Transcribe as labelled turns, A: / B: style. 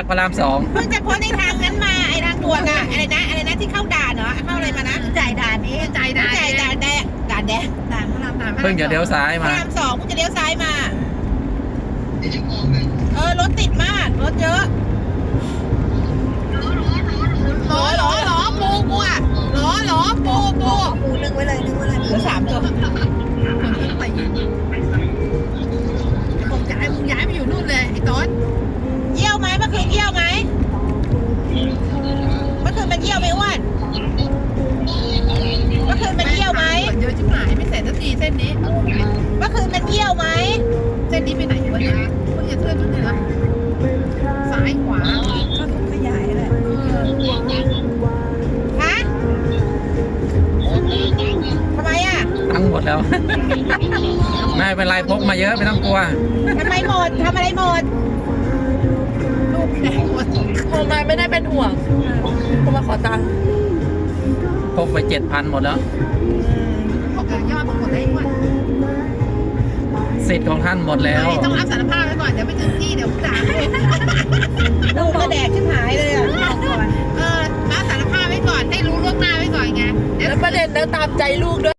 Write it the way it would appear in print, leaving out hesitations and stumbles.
A: กพระราม 2
B: เพิ่งจะพ้นในทางนั้นมาไอ้ทางด่วนอะอะไรนะที่เข้าด่านเหรอเข้าอะไรมานะจ่ายด่านนี้จ่ายด่านด่านแดงด่านพระราม3
A: เพิ่งจะเลี้ยวซ้าย
B: พระ
A: มา
B: ราม2เพิ่งจะเลี้ยวซ้ายมารถติดมากรถเยอะหรอปูกูอะหรอปูนึ่งไว้เลยเหลือ3ตัว
C: คนที่ไปยิงผมจะให้มึงย้ายไปอยู่นู่นเลยไอ้ต้น
B: เยี่ยวไหมเมื่อคืนเยี่ยวไหมเมื่อคืนมันเยี่ยวไหมอ้วนเมื่อคืนมันเยี่ยวไหม
C: เยอะชิบหายไม่เสร็จสักทีเส้นนี้
B: เมื่อคืนมันเยี่ยวไหม
C: เส้นนี้ไปไหนวะเนี่ยเพิ่งจะเทื่อนนู่นเลยเหรอซ้ายขวา
B: ก็ถูกขยายแหละฮะทำไมอ่ะ
A: ตั้งหมดแล้ว ไม่เป็นไรพกมาเยอะไม่ต้องกลัว
B: ทำไมหมดทำอะไรหมด
C: ลูกแดงหมด
D: โทรมาไม่ได้เป็นห่วงโทรมาขอตังค์
A: พกไป 7,000 หมดแล้ว
C: ยอดหมดเลยอ้วน
A: สิทธิ์ของท่านหมดแล้ว
C: ต้องรับสารภาพไว้ก่อนเดี๋ยวไปถึงที่เดี๋ยวด่า
B: ลูกก็แดกชิบหายเลยอ่ะ
C: รับสารภาพไว้ก่อนให้รู้ล่วงหน้าไว้ก่อนไง
D: แล้วประเด็นแล้วตามใจลูกด้วย